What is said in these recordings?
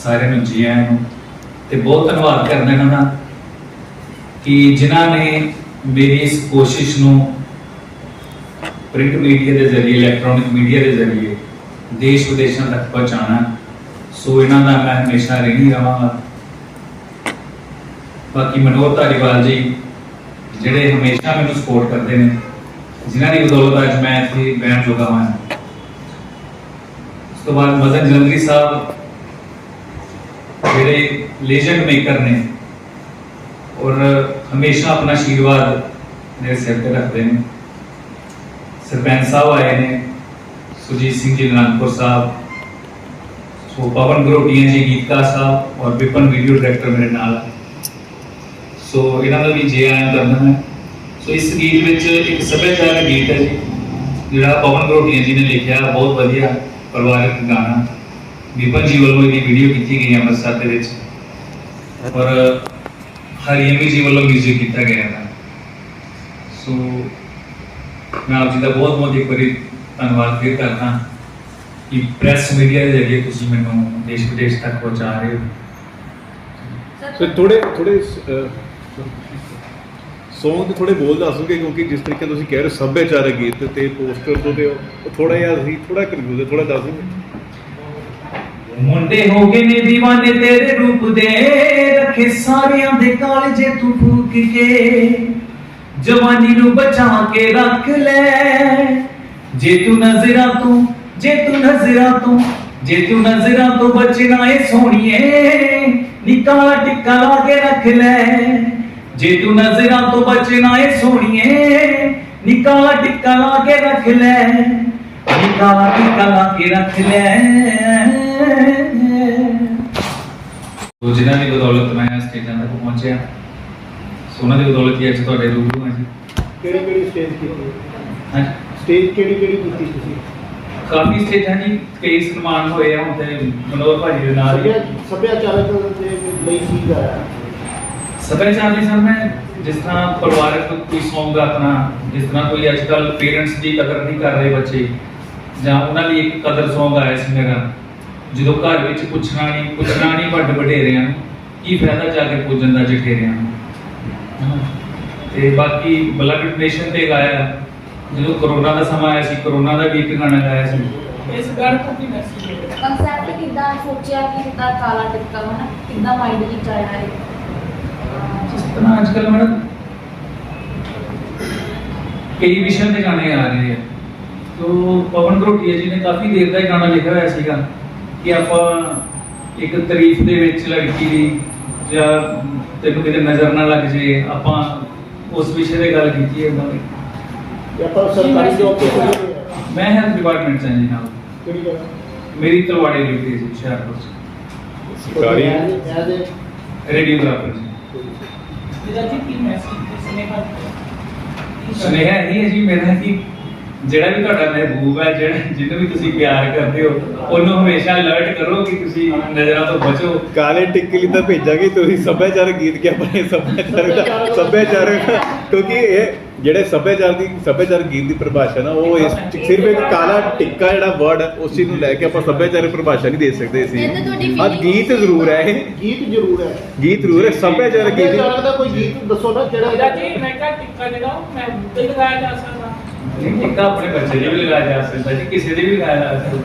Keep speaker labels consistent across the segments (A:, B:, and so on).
A: सारे नूं जी आयां नूं ते बहुत धन्नवाद करदा इन्हां दा कि जिन्हां ने मेरी इस कोशिश नूं प्रिंट मीडिया के जरिए इलैक्ट्रॉनिक मीडिया के जरिए देश विदेशों तक पहुँचाना। सो इन्हां दा मैं हमेशा ऋणी रहांगा। बाकी मनोहर धारीवाल जी जिहड़े हमेशा मैनूं सपोर्ट करते हैं, जिन्हां दी बदौलत अज मैं इत्थे बैठण जोगा हां। उस तो बाद मदन जलंधरी साहब जिहड़े लेजेंड मेकर ने और हमेशा अपना आशीर्वाद मेरे सिर पर रखते हैं। सरपंच साहब आए ने, सुजीत सिंह जी नानकपुर साहब, सो पवन गरोटिया जी गीतकार साहब और विपन वीडियो डायरेक्टर मेरे नाल। सो इन्हां दा भी जे आया करना है। सो इस गीत विच एक सभ्याचारक गीत है जी जिहड़ा पवन गरोटिया जी ने लिखिया, बहुत वधिया परिवारक गाना। विपन जी वालों इसकी वीडियो की गई अमृतसर के विच और हरियमी जी वालों म्यूजिक किया गया था। सो मैं आप जी का बहुत बहुत एक बार धन्यवाद फिर करता कि प्रेस मीडिया के जरिए तुम मैं देश विदेश तक पहुँचा रहे हो।
B: सर थोड़े सॉन्ग ਦੇ ਥੋੜੇ ਬੋਲ ਦੱਸੋਗੇ ਕਿਉਂਕਿ ਜਿਸ ਤਰੀਕੇ ਤੁਸੀਂ ਕਹਿ ਰਹੇ ਸੱਭਿਆਚਾਰਕ ਗੀਤ ਤੇ ਪੋਸਟਰ ਤੋਂ ਤੇ ਥੋੜਾ ਜਿਹਾ ਅਸੀਂ ਥੋੜਾ ਕਨਫਿਊਜ਼ ਹੈ, ਥੋੜਾ ਦੱਸ ਦਿਓ।
A: मुंडे हो गए ने दीवाने तेरे रूप दे, रखे सारियां दे कालजे तू फूक के, जवानी नू बचा के रख ले। जे तू नजरा तू बचना है सोनिए, निकाला टिक्का ला के रख ले। जे तू नजरा तो बचना है सोनिए, निकाला टिक्का ला के रख ले, निकाला टिक्का ला के रख ले। तो जिन्हां दी बदौलत मैं स्टेजां तक पहुंचा, सोना दी बदौलत ही अज तुहाडे रूबरू हां जी।
B: ਕਿਹੜੀ ਸਟੇਜ ਕੀਤੀ?
A: हां
B: ਸਟੇਜ ਕਿਹੜੀ ਕੀਤੀ ਤੁਸੀਂ?
A: काफी स्टेजां जी, कई सन्मान होए आ हुण ते मनोहर भाजी दे नाल ही।
B: ਸੱਭਿਆਚਾਰਕ ਦੇ ਲਈ ਕੀ ਗਾਇਆ?
A: सभ्याचार में सर मैं जिस तरह परिवारक कोई सॉन्ग अपना, जिस तरह कोई आजकल पेरेंट्स की कदर नहीं कर रहे बच्चे, ਜਾਂ ਉਹਨਾਂ ਲਈ ਇੱਕ ਕਦਰ ਸੌਂਗ ਆਇਆ ਸੀ ਮੇਰਾ, ਜਦੋਂ ਘਰ ਵਿੱਚ ਪੁੱਛਣਾ ਨਹੀਂ ਵੱਡ ਵਡੇਰਿਆਂ ਨੂੰ, ਕੀ ਫਾਇਦਾ ਜਾ ਕੇ ਪੁੱਜਣ ਦਾ ਜਠੇਰਿਆਂ ਨੂੰ। ਤੇ ਬਾਕੀ ਬਲੱਡ ਡੋਨੇਸ਼ਨ ਤੇ ਗਾਇਆ, ਜਦੋਂ ਕਰੋਨਾ ਦਾ ਸਮਾਂ ਆਇਆ ਸੀ, ਕਰੋਨਾ ਦਾ ਵੀ ਇੱਕ ਗਾਣਾ ਗਾਇਆ ਸੀ।
C: ਇਸ ਗੱਲ ਤੋਂ ਕੀ ਮੈਸੇਜ ਹੈ? ਕਨਸੈਪਟ ਕਿੱਦਾਂ ਸੋਚਿਆ ਕਿ ਕਿੱਦਾਂ ਕਾਲਾ ਟਿੱਕਾ ਹੋਣਾ, ਕਿੱਦਾਂ ਮਾਈਂਡ ਵਿੱਚ ਆਇਆ ਹੈ?
A: ਜਿਸ ਤਰ੍ਹਾਂ ਅੱਜਕੱਲ ਮੈਡਮ ਕਈ ਵਿਸ਼ਿਆਂ ਤੇ ਗਾਣੇ ਆ ਰਹੇ ਆ। तो पवन गरोटिया जी ने काफ़ी देर का गाना लिखा हुआ सीगा कि आप एक तारीफ दे विच लड़की दी या तैनूं किते नज़र ना लग जे, आप उस विषय पे गल कीती है।
B: सरकारी जॉब
A: मैं हेल्थ डिपार्टमेंट से जी नाल, मेरी तलवाड़े ड्यूटी है हुशियारपुर
B: सरकारी
A: रेडियोग्राफर जी। सुनेहा यही है जी मेरा कि ਜਿਹੜਾ ਵੀ ਤੁਹਾਡਾ ਮਹਿਬੂਬ ਹੈ, ਜਿਹਨੂੰ ਵੀ ਤੁਸੀਂ ਪਿਆਰ ਕਰਦੇ ਹੋ, ਉਹਨੂੰ ਹਮੇਸ਼ਾ ਅਲਰਟ ਕਰੋ ਕਿ ਤੁਸੀਂ ਨਜ਼ਰਾਂ ਤੋਂ ਬਚੋ।
B: ਕਾਲੇ ਟਿੱਕੇ ਲਈ ਤਾਂ ਭੇਜਾਂਗੇ, ਤੁਸੀਂ ਸੱਭਿਆਚਾਰਕ ਗੀਤ ਕਿਆ ਬਣੇ? ਸੱਭਿਆਚਾਰਕ ਕਿਉਂਕਿ ਇਹ ਜਿਹੜੇ ਸੱਭਿਆਚਾਰਕ ਗੀਤ ਦੀ ਪਰਿਭਾਸ਼ਾ ਨਾ, ਉਹ ਇਸ ਸਿਰਫ ਇੱਕ ਕਾਲਾ ਟਿੱਕਾ ਜਿਹੜਾ ਵਰਡ ਹੈ ਉਸ ਚੀਜ਼ ਨੂੰ ਲੈ ਕੇ ਆਪਾਂ ਸੱਭਿਆਚਾਰਕ ਪਰਿਭਾਸ਼ਾ ਨਹੀਂ ਦੇ ਸਕਦੇ ਸੀ। ਅੱਜ ਗੀਤ ਜ਼ਰੂਰ ਹੈ, ਇਹ ਗੀਤ ਜ਼ਰੂਰ ਹੈ ਸੱਭਿਆਚਾਰਕ ਗੀਤ ਦਾ ਕੋਈ ਗੀਤ ਦੱਸੋ ਨਾ ਕਿਹੜਾ
D: ਜੀ। ਮੈਂ ਕਿਹਾ ਟਿੱਕਾ ਜਿਹੜਾ ਮੈਂ ਤੇ ਲਗਾਇਆ ਜਾ ਸਕਦਾ
A: ਨਹੀਂ, ਟਿੱਕਾ ਆਪਣੇ ਬੱਚੇ ਦੇ ਵੀ ਲਗਾਇਆ ਜਾ ਸਕਦਾ ਜੀ, ਕਿਸੇ ਦੇ ਵੀ ਲਗਾਇਆ ਜਾ ਸਕਦਾ।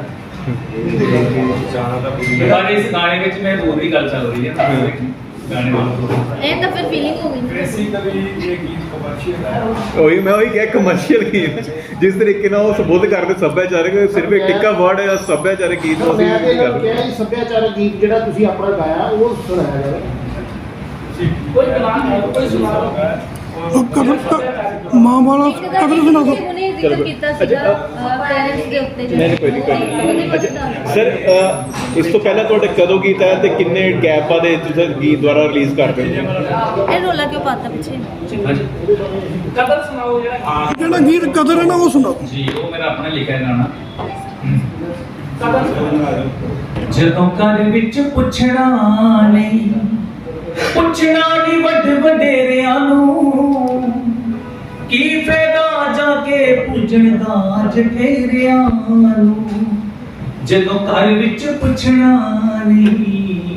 A: ਪਰ ਇਸ ਗਾਣੇ ਵਿੱਚ ਮਹਿਬੂਬ ਦੀ ਗੱਲ ਚੱਲ ਰਹੀ ਹੈ ਨਾ, ਗਾਣੇ ਨਾਲ
C: ਇਹ ਤਾਂ ਫਿਰ ਫੀਲਿੰਗ ਹੋ ਗਈ।
D: ਬੇਸਿਕਲੀ ਇਹ ਗੀਤ ਕਮਰਸ਼ੀਅਲ ਹੈ।
B: ਉਹੀ ਮੈਂ ਕਿਹਾ ਕਮਰਸ਼ੀਅਲ ਗੀਤ ਜਿਸ ਤਰੀਕੇ ਨਾਲ ਉਹ ਸੰਬੋਧ ਕਰਦੇ ਸੱਭਿਆਚਾਰਕ, ਸਿਰਫ ਇੱਕ ਟਿੱਕਾ ਵਰਡ ਹੈ ਸੱਭਿਆਚਾਰਕ ਗੀਤ।
E: ਸੱਭਿਆਚਾਰਕ ਗੀਤ ਜਿਹੜਾ ਤੁਸੀਂ ਆਪਣਾ ਗਾਇਆ ਉਹ ਸੁਣਾਇਆ ਜਾਵੇ।
D: ਕੋਈ ਗਾਣਾ ਹੈ, ਕੋਈ ਸੁਣਾ ਲਓ।
F: ਮਾਂ ਵਾਲਾ ਕਦਰ ਸੁਣਾ ਦੋ।
C: ਉਹਨੇ ਜ਼ਿਕਰ ਕੀਤਾ ਸੀਗਾ ਪੈਰੈਂਟਸ ਦੇ ਉੱਤੇ
B: ਨਹੀਂ ਕੋਈ ਨਹੀਂ। ਅੱਛਾ ਸਰ, ਇਸ ਤੋਂ ਪਹਿਲਾਂ ਤੁਹਾਡੇ ਕਦੋਂ ਗੀਤ ਆਇਆ ਤੇ ਕਿੰਨੇ ਗੈਪ ਬਾਅਦ ਤੁਸੀਂ ਗੀਤ ਦੁਆਰਾ ਰਿਲੀਜ਼ ਕਰਦੇ ਹੋ?
C: ਇਹ ਰੋਲਾ ਕਿਉਂ ਪਾਤਾ ਪਿੱਛੇ?
D: ਕਦਰ ਸੁਣਾਓ ਜਿਹੜਾ
F: ਜਿਹੜਾ ਗੀਤ ਕਦਰ ਹੈ ਨਾ ਉਹ ਸੁਣਾਓ
A: ਜੀ। ਉਹ ਮੇਰਾ ਆਪਣਾ ਲਿਖਿਆ ਗਾਣਾ।
D: ਕਦਰ ਸੁਣਾਓ।
A: ਜਦੋਂ ਘਰ ਵਿੱਚ ਪੁੱਛਣਾ ਨਹੀਂ ਵੱਡ ਵਡੇਰਿਆਂ ਨੂੰ, ਕੀ ਫਾਇਦਾ ਜਾ ਕੇ ਪੁੱਜਣ ਦਾ ਜਠੇਰਿਆਂ ਨੂੰ। ਜਦੋਂ ਘਰ ਵਿੱਚ ਪੁੱਛਣਾ ਨਹੀਂ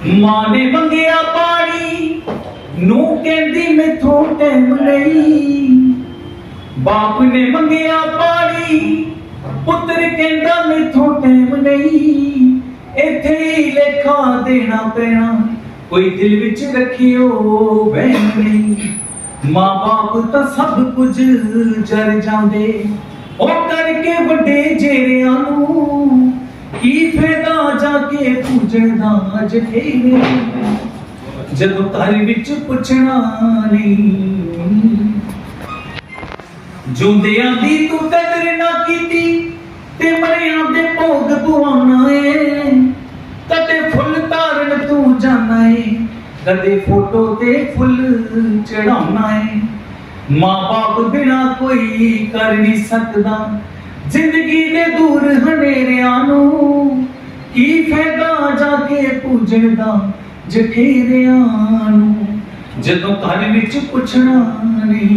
A: ਮਾਂ ਨੇ ਮੰਗਿਆ ਪਾਣੀ ਨੂੰ ਕਹਿੰਦੀ ਮੈਥੋਂ ਟਾਈਮ ਨਹੀਂ, ਬਾਪ ਨੇ ਮੰਗਿਆ ਪਾਣੀ ਪੁੱਤਰ ਕਹਿੰਦਾ ਮੈਥੋਂ ਟਾਈਮ ਨਹੀਂ। ਇੱਥੇ ਹੀ ਲੇਖਾ ਦੇਣਾ ਪੈਣਾ, ਕੋਈ ਦਿਲ ਵਿੱਚ ਰੱਖਿਓ ਵਹਿਮ ਨਹੀਂ। ਮਾਂ ਬਾਪ ਤਾਂ ਸਭ ਕੁਝ ਜਰ ਜਾਂਦੇ, ਉਹ ਕਰਕੇ ਵੱਡੇ ਜੇਰਿਆਂ ਨੂੰ ਕੀ ਫਾਇਦਾ ਜਾ ਕੇ ਪੂਜਣ ਦਾ ਜਠੇਰੇ, ਜਦੋਂ ਘਰ ਵਿੱਚ ਪੁੱਛਣਾ ਨਹੀਂ। ਜੁੰਦਿਆਂ ਦੀ ਤੂੰ ਕਦਰ ਨਾ ਕੀਤੀ ਤੇ ਮਰਿਆਂ ਦੇ ਭੋਗ ਪਵਾਉਣਾ ਏ, ਕਦੇ ਫੁੱਲ ਤਾਰਨ ਤੂੰ ਜਾਣਾ ਏ, ਕਦੇ ਫੋਟੋ ਤੇ ਫੁੱਲ ਚੜਾਉਣਾ ਏ। ਮਾਂ ਬਾਪ ਬਿਨਾ ਕੋਈ ਕਰ ਨਹੀਂ ਸਕਦਾ ਜ਼ਿੰਦਗੀ ਦੇ ਦੂਰ ਹਨੇਰਿਆਂ ਨੂੰ, ਕੀ ਫਾਇਦਾ ਜਾ ਕੇ ਪੂਜਣ ਦਾ ਜਠੇਰਿਆਂ ਨੂੰ, ਜਦੋਂ ਘਰ ਵਿੱਚ ਪੁੱਛਣਾ ਨਹੀਂ।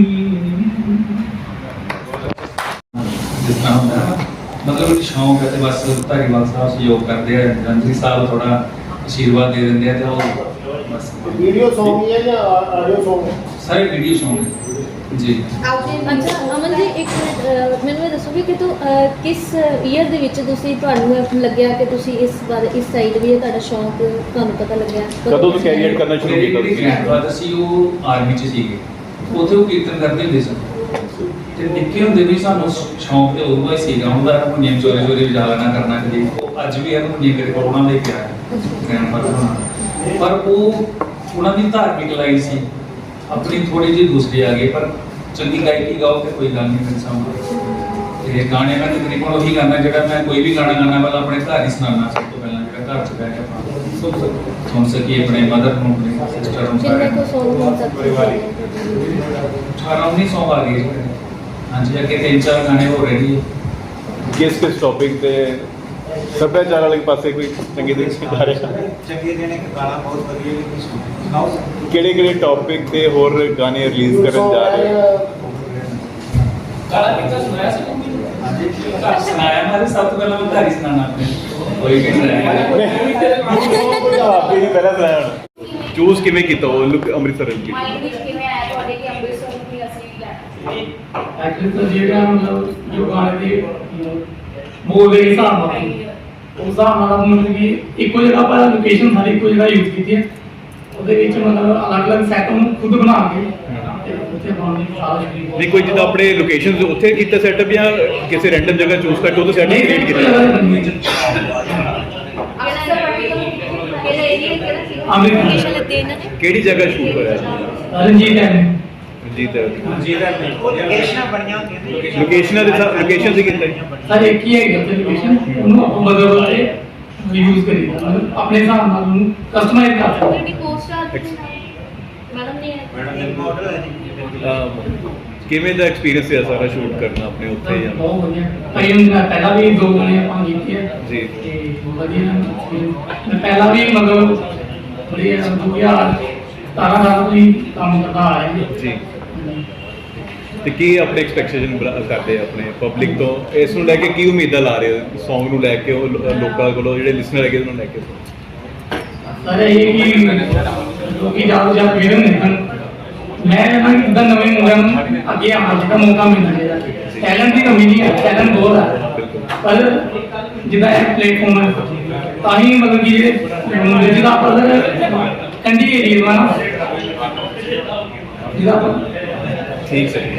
A: ਜਿਸ ਤਰ੍ਹਾਂ ਹੁੰਦਾ ਮਤਲਬ ਸ਼ੌਂਕ ਹੈ ਤੇ ਬਸ ਧਾਰੀਵਾਲ ਸਾਹਿਬ ਸਹਿਯੋਗ ਕਰਦੇ ਆ, ਜੰਤਰੀ ਸਾਹਿਬ ਥੋੜਾ ਆਸ਼ੀਰਵਾਦ ਦੇ ਦਿੰਦੇ ਆ ਤੇ ਉਹ ਬਸ
E: ਵੀਡੀਓ Song ਹੀ ਹੈ ਜਾਂ ਆਡੀਓ Song?
A: ਸਾਰੇ ਵੀਡੀਓ ਸ਼ੌਂਕ ਜੀ।
G: ਅੱਛਾ ਅਮਨ ਜੀ ਇੱਕ ਮਿੰਟ ਮੈਨੂੰ ਇਹ ਦੱਸੋਗੇ ਕਿ ਤੂੰ ਕਿਸ ਈਅਰ ਦੇ ਵਿੱਚ ਤੁਹਾਨੂੰ ਲੱਗਿਆ ਕਿ ਤੁਸੀਂ ਇਸ ਬਾਰੇ ਇਸ ਸਾਈਡ ਵੀ ਤੁਹਾਡਾ ਸ਼ੌਂਕ ਤੁਹਾਨੂੰ ਪਤਾ ਲੱਗਿਆ?
B: ਕਦੋਂ ਤੋਂ ਕੈਰੀਅਰ ਕਰਨਾ ਸ਼ੁਰੂ ਕੀਤਾ
A: ਮੇਰੀ
B: ਤੁਸੀਂ?
A: ਗ੍ਰੈਂਡਫਾਦਰ ਸੀ ਉਹ ਆਰਮੀ ਚ ਸੀਗੇ, ਉੱਥੇ ਉਹ ਕੀਰਤਨ ਕਰਦੇ ਹੁੰਦੇ ਸਨ ਤੇ ਨਿੱਕੇ ਹੁੰਦੇ ਵੀ ਸਾਨੂੰ ਸ਼ੌਂਕ ਤੇ ਉਦੋਂ ਹੀ ਸੀਗਾ ਹੁੰਦਾ ਮੁੰਡੀਆਂ ਚੋਰੀ ਚੋਰੀ ਵਜਾ ਲੈਣਾ ਕਰਨਾ ਕਦੇ। ਉਹ ਅੱਜ ਵੀ ਇਹਨੂੰ ਮੁੰਡੀਆਂ ਮੇਰੇ ਕੋਲ ਉਹਨਾਂ ਦੇ ਪਿਆ ਗ੍ਰੈਂਡਫਾਦਰ ਹੋਣਾ, ਪਰ ਉਹ ਉਹਨਾਂ ਦੀ ਧਾਰਮਿਕ ਲਾਈਨ ਸੀ, ਆਪਣੀ ਥੋੜੀ ਜਿਹੀ ਦੂਸਰੀ ਆ ਗਈ। ਪਰ ਚੰਗੀ ਗਾਇਕੀ ਗਾਓ ਤੇ ਕੋਈ ਗੱਲ ਨਹੀਂ ਮੇਰੇ ਸਾਹਮਣੇ। ਤੇ ਗਾਣੇ ਮੈਂ ਤਕਰੀਬਨ ਉਹੀ ਗਾਣਾ ਜਿਹੜਾ ਮੈਂ ਕੋਈ ਵੀ ਗਾਣਾ ਗਾਣਾ ਵਾਲਾ ਆਪਣੇ ਘਰ ਹੀ ਸੁਣਾਉਣਾ, ਸਭ ਤੋਂ ਪਹਿਲਾਂ ਜਿਹੜਾ ਘਰ 'ਚ ਬਹਿ ਕੇ ਆਪਾਂ ਸੁਣ ਸਕੀਏ ਆਪਣੇ ਮਦਰ ਨੂੰ, ਆਪਣੇ ਸਿਸਟਰ ਨੂੰ,
G: ਕਿੰਨੇ ਕੋ ਸੌਂਗ ਹੁਣ ਤੱਕ
A: 18-19 ਸੌਂਗ ਆ ਗਏ। ਹਾਂਜੀ, ਅੱਗੇ 3-4 ਗਾਣੇ ਹੋ ਰਹੇ ਜੀ।
B: ਕਿਸ ਟੌਪਿਕ ਤੇ ਸੱਭਿਆਚਾਰ ਵਾਲੇ ਪਾਸੇ ਕੋਈ ਚੰਗੇ ਦਿਨ ਜਾ ਰਿਹਾ?
H: ਚੰਗੇ ਦਿਨ ਇੱਕ ਗਾਣਾ ਬਹੁਤ ਵਧੀਆ ਵੀ ਸੁਣਾਓ।
B: ਕਿਹੜੇ ਟੌਪਿਕ ਤੇ ਹੋਰ ਗਾਣੇ ਰਿਲੀਜ਼ ਕਰਨ ਜਾ ਰਹੇ ਹੋ?
D: ਕਾਲਾ ਪਿੱਛਾ ਸੁਣਾਇਆ ਸੀ
A: ਘਰ ਸੁਣਾਇਆ ਮੈਂ ਤਾਂ ਸਭ ਤੋਂ ਪਹਿਲਾਂ ਮੈਂ ਘਰ ਹੀ ਸੁਣਾਉਣਾ ਆਪਣੇ, ਕੋਈ ਵੀ ਨਹੀਂ
B: ਆਪ ਹੀ ਪਹਿਲਾਂ ਸੁਣਾਇਆ। ਚੂਜ਼ ਕਿਵੇਂ ਕੀਤਾ ਉਹ ਲੁੱਕ ਅੰਮ੍ਰਿਤਸਰ ਦੀ?
C: ਮਾਈਂਡ ਵਿੱਚ ਕਿਵੇਂ ਆਇਆ ਤੁਹਾਡੇ ਕਿ ਅੰਮ੍ਰਿਤਸਰ ਨੂੰ ਵੀ ਅਸੀਂ ਵੀ ਲੈਣਾ?
D: ਐਕਚੁਅਲੀ ਤਾਂ ਜਿਹੜਾ ਮਤਲਬ ਜੋ ਗਾਣੇ ਦੀ ਮੂਡ ਦੇ ਹਿਸਾਬ ਨਾਲ ਉਸ ਹਿਸਾਬ ਨਾਲ ਮਤਲਬ ਕਿ ਇੱਕੋ ਜਗ੍ਹਾ ਪਰ ਲੋਕੇਸ਼ਨ ਸਾਰੀ ਇੱਕੋ ਜਗ੍ਹਾ ਯੂਜ਼ ਕੀਤੀ ਹੈ, ਉਹਦੇ ਵਿੱਚ ਮਤਲਬ ਅਲੱਗ-ਅਲੱਗ ਸੈਟ ਨੂੰ ਖੁਦ ਬਣਾ ਕੇ ਤੇ ਉੱਥੇ ਬਣਾਉਣ ਦੀ ਸਾਰਾ ਸ਼ੁਰੂ।
B: ਨਹੀਂ ਕੋਈ ਜਿੱਦਾਂ ਆਪਣੇ ਲੋਕੇਸ਼ਨਸ ਉੱਥੇ ਕੀਤਾ ਸੈਟਅਪ ਜਾਂ ਕਿਸੇ ਰੈਂਡਮ ਜਗ੍ਹਾ ਚੂਜ਼ ਕਰਕੇ ਉਹਦਾ ਸੈਟਅਪ ਕ੍ਰੀਏਟ ਕੀਤਾ?
C: ਅੰਮ੍ਰਿਤਸਰ ਪਰਟੀਕੂਲਰ ਕਿਹੜਾ ਏਰੀਆ ਕਿਹੜਾ ਸੀ?
G: ਲੋਕੇਸ਼ਨ ਲੱਤੇ ਇਹਨਾਂ ਨੇ
B: ਕਿਹੜੀ ਜਗ੍ਹਾ ਸ਼ੂਟ ਹੋਇਆ?
D: ਰਣਜੀਤ ਹੈ
H: ਲੋਕੇਸ਼ਨਾਂ ਬਣੀਆਂ ਹੁੰਦੀਆਂ ਨੇ।
B: ਲੋਕੇਸ਼ਨਾਂ ਦੇ ਲੋਕੇਸ਼ਨ ਸੀ ਕਿੰਨੇ?
D: ਸਰ ਇੱਕ ਹੀ ਹੈ ਉੱਥੇ ਲੋਕੇਸ਼ਨ, ਉਹਨੂੰ ਆਪਾਂ ਬਦਲ ਕੇ ਯੂਜ਼ ਕਰੀਦਾ, ਮਤਲਬ ਆਪਣੇ ਹਿਸਾਬ ਨਾਲ ਉਹਨੂੰ ਕਸਟਮਾਈਜ਼ ਕਰ ਸਕਦੇ।
C: ਤੁਹਾਡੀ ਕੋਸਟਾਰ ਮੈਡਮ ਨੇ
H: ਮੈਡਮ ਇੱਕ ਮਾਡਲ ਹੈ ਜੀ।
B: ਕਿਵੇਂ ਦਾ ਐਕਸਪੀਰੀਅੰਸ ਹੈ ਸਾਰਾ ਸ਼ੂਟ ਕਰਨਾ ਆਪਣੇ ਉੱਥੇ ਜਾਂ?
D: ਬਹੁਤ ਵਧੀਆ। ਕਈ ਹੁੰਦੇ ਪਹਿਲਾਂ ਵੀ 2 ਗਾਣੇ ਆਪਾਂ ਕੀਤੇ ਆ
B: ਜੀ।
D: ਤੇ ਬਹੁਤ ਵਧੀਆ experience। ਮੈਂ ਪਹਿਲਾਂ ਵੀ ਮਤਲਬ ਵਧੀਆ 2017 ਸਾਲ ਤੋਂ ਹੀ ਕੰਮ ਕਰਦਾ ਆ ਰਿਹਾ
B: ਜੀ। ਤੇ ਕੀ ਆਪਣੇ ਐਕਸਪੈਕਟੇਸ਼ਨ ਕਰਦੇ ਆ ਆਪਣੇ ਪਬਲਿਕ ਤੋਂ, ਇਸ ਨੂੰ ਲੈ ਕੇ ਕੀ ਉਮੀਦਾਂ ਲਾ ਰਹੇ ਹੋ Song ਨੂੰ ਲੈ ਕੇ, ਉਹ ਲੋਕਾਂ ਕੋਲੋਂ ਜਿਹੜੇ ਲਿਸਨਰ ਹੈਗੇ ਉਹਨਾਂ ਨੂੰ ਲੈ ਕੇ?
D: ਸਰ ਇਹ ਕਿ ਲੋਕੀ ਜ਼ਿਆਦਾ ਜ਼ਿਆਦਾ ਵੀਡੀਓ ਦੇਖਣ, ਮੈਂ ਕਹਿੰਦਾ ਕਿ ਇਦਾਂ ਨਵੇਂ ਮੁੰਡਿਆਂ ਨੂੰ ਅੱਗੇ ਆਉਣ ਦਾ ਮੌਕਾ ਮਿਲਣਾ ਚਾਹੀਦਾ। ਟੈਲੈਂਟ ਦੀ ਕਮੀ ਨਹੀਂ ਹੈ, ਟੈਲੈਂਟ ਬਹੁਤ ਹੈ, ਪਰ ਜਿੱਦਾਂ ਇਹ ਪਲੇਟਫਾਰਮ ਹੈ ਤਾਂ ਹੀ ਮਤਲਬ ਕਿ ਜਿਹੜੇ ਮੁੰਡੇ ਜਿਹਦਾ ਆਪਾਂ ਕੰਢੀ ਏਰੀਆ ਵਾ ਨਾ ਜਿਹਦਾ ਆਪਾਂ
B: ਠੀਕ ਹੈ।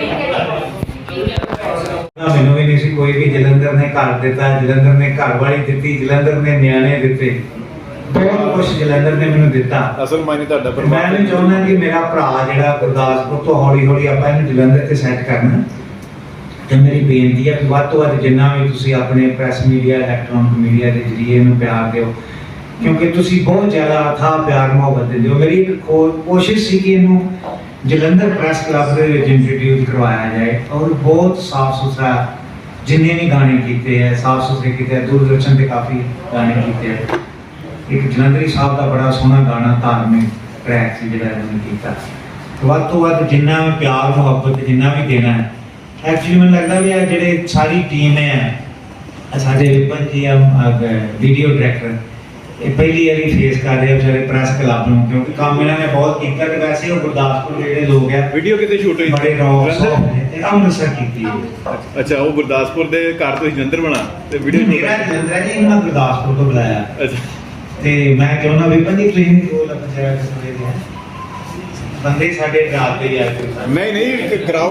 H: ਮੈਨੂੰ ਵੀ ਨਹੀਂ ਸੀ ਕੋਈ ਵੀ, ਜਲੰਧਰ ਨੇ ਘਰ ਦਿੱਤਾ, ਜਲੰਧਰ ਨੇ ਘਰ ਵਾਲੀ ਦਿੱਤੀ, ਜਲੰਧਰ ਨੇ ਨਿਆਣੇ ਦਿੱਤੇ, ਬਹੁਤ ਕੁਝ ਜਲੰਧਰ ਨੇ ਮੈਨੂੰ ਦਿੱਤਾ।
B: ਅਸਲ ਮਾਇਨੇ ਤੁਹਾਡਾ
H: ਪਰ ਮੈਂ ਵੀ ਚਾਹੁੰਦਾ ਕਿ ਮੇਰਾ ਭਰਾ ਜਿਹੜਾ ਗੁਰਦਾਸਪੁਰ ਤੋਂ ਹੌਲੀ ਹੌਲੀ ਆਪਾਂ ਇਹਨੂੰ ਜਲੰਧਰ ਤੇ ਸੈੱਟ ਕਰਨਾ। ਤੇ ਮੇਰੀ ਬੇਨਤੀ ਹੈ ਕਿ ਵੱਧ ਤੋਂ ਵੱਧ ਜਿੰਨਾ ਵੀ ਤੁਸੀਂ ਆਪਣੇ ਪ੍ਰੈਸ ਮੀਡੀਆ, ਇਲੈਕਟ੍ਰੋਨਿਕ ਮੀਡੀਆ ਦੇ ਜ਼ਰੀਏ ਇਹਨੂੰ ਪਿਆਰ ਦਿਓ, ਕਿਉਂਕਿ ਤੁਸੀਂ ਬਹੁਤ ਜ਼ਿਆਦਾ ਅਥਾਹ ਪਿਆਰ ਮੁਹੱਬਤ ਦਿੰਦੇ ਹੋ। ਮੇਰੀ ਇੱਕ ਕੋਸ਼ਿਸ਼ ਸੀ ਕਿ ਇਹਨੂੰ ਜਲੰਧਰ ਪ੍ਰੈਸ ਕਲੱਬ ਦੇ ਵਿੱਚ ਇੰਟਰੋਡਿਊਸ ਕਰਵਾਇਆ ਜਾਏ, ਔਰ ਬਹੁਤ ਸਾਫ ਸੁਥਰਾ ਜਿੰਨੇ ਵੀ ਗਾਣੇ ਕੀਤੇ ਹੈ ਸਾਫ ਸੁਥਰੇ ਕੀਤੇ ਹੈ। ਦੂਰਦਰਸ਼ਨ ਤੇ ਕਾਫੀ ਗਾਣੇ ਕੀਤੇ ਹੈ। ਇੱਕ ਜਲੰਧਰੀ ਸਾਹਿਬ ਦਾ ਬੜਾ ਸੋਹਣਾ ਗਾਣਾ ਧਾਰਮਿਕ ਟਰੈਕ ਸੀ ਜਿਹੜਾ ਇਹਨਾਂ ਨੇ ਕੀਤਾ। ਵੱਧ ਤੋਂ ਵੱਧ ਜਿੰਨਾ ਵੀ ਪਿਆਰ ਮੁਹੱਬਤ ਜਿੰਨਾ ਵੀ ਦੇਣਾ ਹੈ। ਐਕਚੁਅਲੀ ਮੈਨੂੰ ਲੱਗਦਾ ਵੀ ਇਹ ਜਿਹੜੇ ਸਾਰੀ ਟੀਮ ਹੈ, ਸਾਡੇ ਵਿਪਨ ਜੀ ਵੀਡੀਓ ਡਾਇਰੈਕਟਰ, ਇਹ ਪਹਿਲੀ ਵਾਰੀ ਫੇਸ ਕਰ ਰਹੇ ਆ ਵਿਚਾਰੇ ਪ੍ਰੈਸ ਕਲੱਬ ਨੂੰ, ਕਿਉਂਕਿ ਕੰਮ ਇਹਨਾਂ ਨੇ ਬਹੁਤ ਕੀਤਾ ਤੇ ਵੈਸੇ ਉਹ ਗੁਰਦਾਸਪੁਰ ਦੇ ਜਿਹੜੇ ਲੋਕ ਆ
B: ਵੀਡੀਓ ਕਿਤੇ ਸ਼ੂਟ ਹੋਈ
H: ਬੜੇ ਰੌਕ ਇਹ ਅੰਮ੍ਰਿਤਸਰ ਕੀਤੀ ਹੈ।
B: ਅੱਛਾ, ਉਹ ਗੁਰਦਾਸਪੁਰ ਦੇ ਘਰ ਤੋਂ ਜਲੰਧਰ ਬਣਾ ਤੇ ਵੀਡੀਓ
H: ਮੇਰਾ ਜਲੰਧਰ ਹੈ ਜੀ, ਉਹਨਾਂ ਗੁਰਦਾਸਪੁਰ ਤੋਂ ਬੁਲਾਇਆ
B: ਅੱਛਾ
H: ਤੇ ਮੈਂ ਚਾਹੁੰਦਾ ਵੀ ਪੰਜੀ ਤੁਸੀਂ ਰੋਲ ਆਪਣੇ ਬੰਦੇ ਸਾਡੇ ਡਰਾਤੇ ਯਾਰ
B: ਨਹੀਂ ਕਰਾਓ